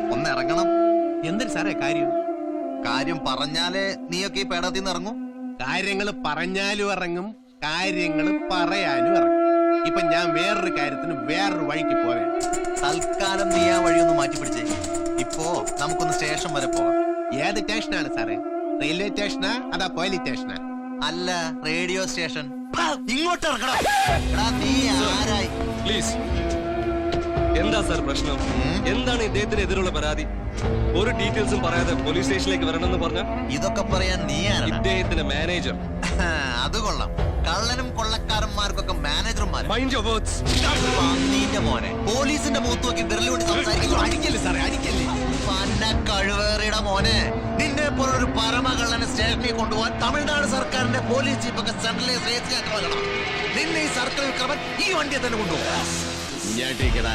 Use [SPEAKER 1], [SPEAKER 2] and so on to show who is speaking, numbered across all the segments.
[SPEAKER 1] ഒന്ന് ഇറങ്ങണം.
[SPEAKER 2] എന്തൊരു സാറേ കാര്യം?
[SPEAKER 1] കാര്യം പറഞ്ഞാലേ നീയൊക്കെ ഈ പേടത്തിൽ നിന്ന് ഇറങ്ങും.
[SPEAKER 2] കാര്യങ്ങൾ പറഞ്ഞാലും ഇറങ്ങും, കാര്യങ്ങൾ പറയാനും ഇറങ്ങും. ഇപ്പൊ ഞാൻ വേറൊരു കാര്യത്തിന് വേറൊരു വഴിക്ക് പോവേ.
[SPEAKER 1] തൽക്കാലം നീ ആ വഴിയൊന്ന് മാറ്റി പിടിച്ചേ. ഇപ്പോ നമുക്കൊന്ന് സ്റ്റേഷൻ വരെ പോകാം.
[SPEAKER 2] ഏത് സ്റ്റേഷനാണ് സാറേ? റെയിൽവേ സ്റ്റേഷനാ അതാ പോലീസ് സ്റ്റേഷനാ?
[SPEAKER 1] അല്ല, റേഡിയോ സ്റ്റേഷൻ. ഇങ്ങോട്ട് ഇറങ്ങണം. എടാ, നീ ആരായി?
[SPEAKER 3] പ്ലീസ്. എന്താ സാർ പ്രശ്നം? എന്താണ് ഇദ്ദേഹത്തിന് എതിരുള്ള പരാതി? ഒരു ഡീറ്റെയിൽസും പറയാതെ പോലീസ് സ്റ്റേഷനിലേക്ക് വരണമെന്ന് പറഞ്ഞ
[SPEAKER 1] ഇതൊക്കെ പറയാൻ നീ ആരാണ്?
[SPEAKER 3] ഇദ്ദേഹത്തിന്റെ മാനേജർ.
[SPEAKER 1] അത് കൊള്ളാം. കള്ളനും കൊള്ളക്കാരന്മാർക്കൊക്കെ മാനേജർമാർ.
[SPEAKER 3] Mind your words.
[SPEAKER 1] പന്നീന്റെ മോനെ, പോലീസിന്റെ മുഖത്ത് നോക്കി വിരലുകൊണ്ട് സംസാരിക്കുന്നു.
[SPEAKER 2] അടിക്കല്ലേ സാറേ, അടിക്കല്ലേ.
[SPEAKER 1] പന്ന കഴിവേറിയുടെ മോനെ, നിന്നെ പോലൊരു പരമകള്ളനെ സ്റ്റേഷനിൽ കൊണ്ടുപോകാൻ തമിഴ്നാട് സർക്കാരിന്റെ പോലീസ് ചീഫൊക്കെ സെൻട്രലിലെ രജിസ്റ്റർ. നിന്നെ ഈ സർക്കിൾ ക്രമൻ ഈ വണ്ടിയെ തന്നെ കൊണ്ടുപോകാം.
[SPEAKER 2] ഇങ്ങോട്ടേക്കടാ,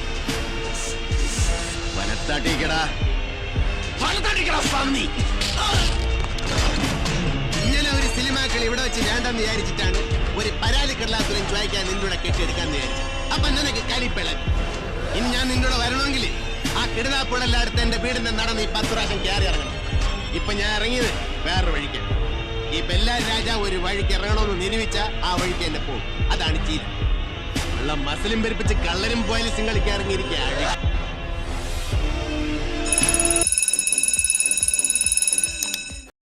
[SPEAKER 2] വനത്താട്ടേക്കടാ, വനത്താട്ടേക്കടാ പന്നി. ഇങ്ങനെ ഒരു സിനിമാക്കൾ ഇവിടെ വെച്ച് വേണ്ടെന്ന് വിചാരിച്ചിട്ടാണ് ഒരു പരാതി കടലാസുരം ചോദിക്കാൻ നിന്നോട് കെട്ടിയെടുക്കാന്ന് വിചാരിച്ചു. അപ്പൊ നിനക്ക് കലിപ്പിളൻ. ഇനി ഞാൻ നിന്നോട് വരണമെങ്കിൽ ആ കിടതാപ്പുഴല്ലാടുത്ത് എന്റെ വീടിന്റെ നടന്ന് ഈ 10 പ്രാവശ്യം കയറി ഇറങ്ങണം. ഇപ്പൊ ഞാൻ ഇറങ്ങിയത് വേറൊരു വഴിക്ക്. ഈ ബെല്ലാരി രാജാവ് ഒരു വഴിക്ക് ഇറങ്ങണമെന്ന് നിരൂപിച്ച ആ വഴിക്ക് എന്നെ പോകും. അതാണ് ചീര. ഉള്ള മസിലും പെരുപ്പിച്ച് കള്ളനും പോയാലും കളിക്കാൻ ഇറങ്ങിയിരിക്കുക.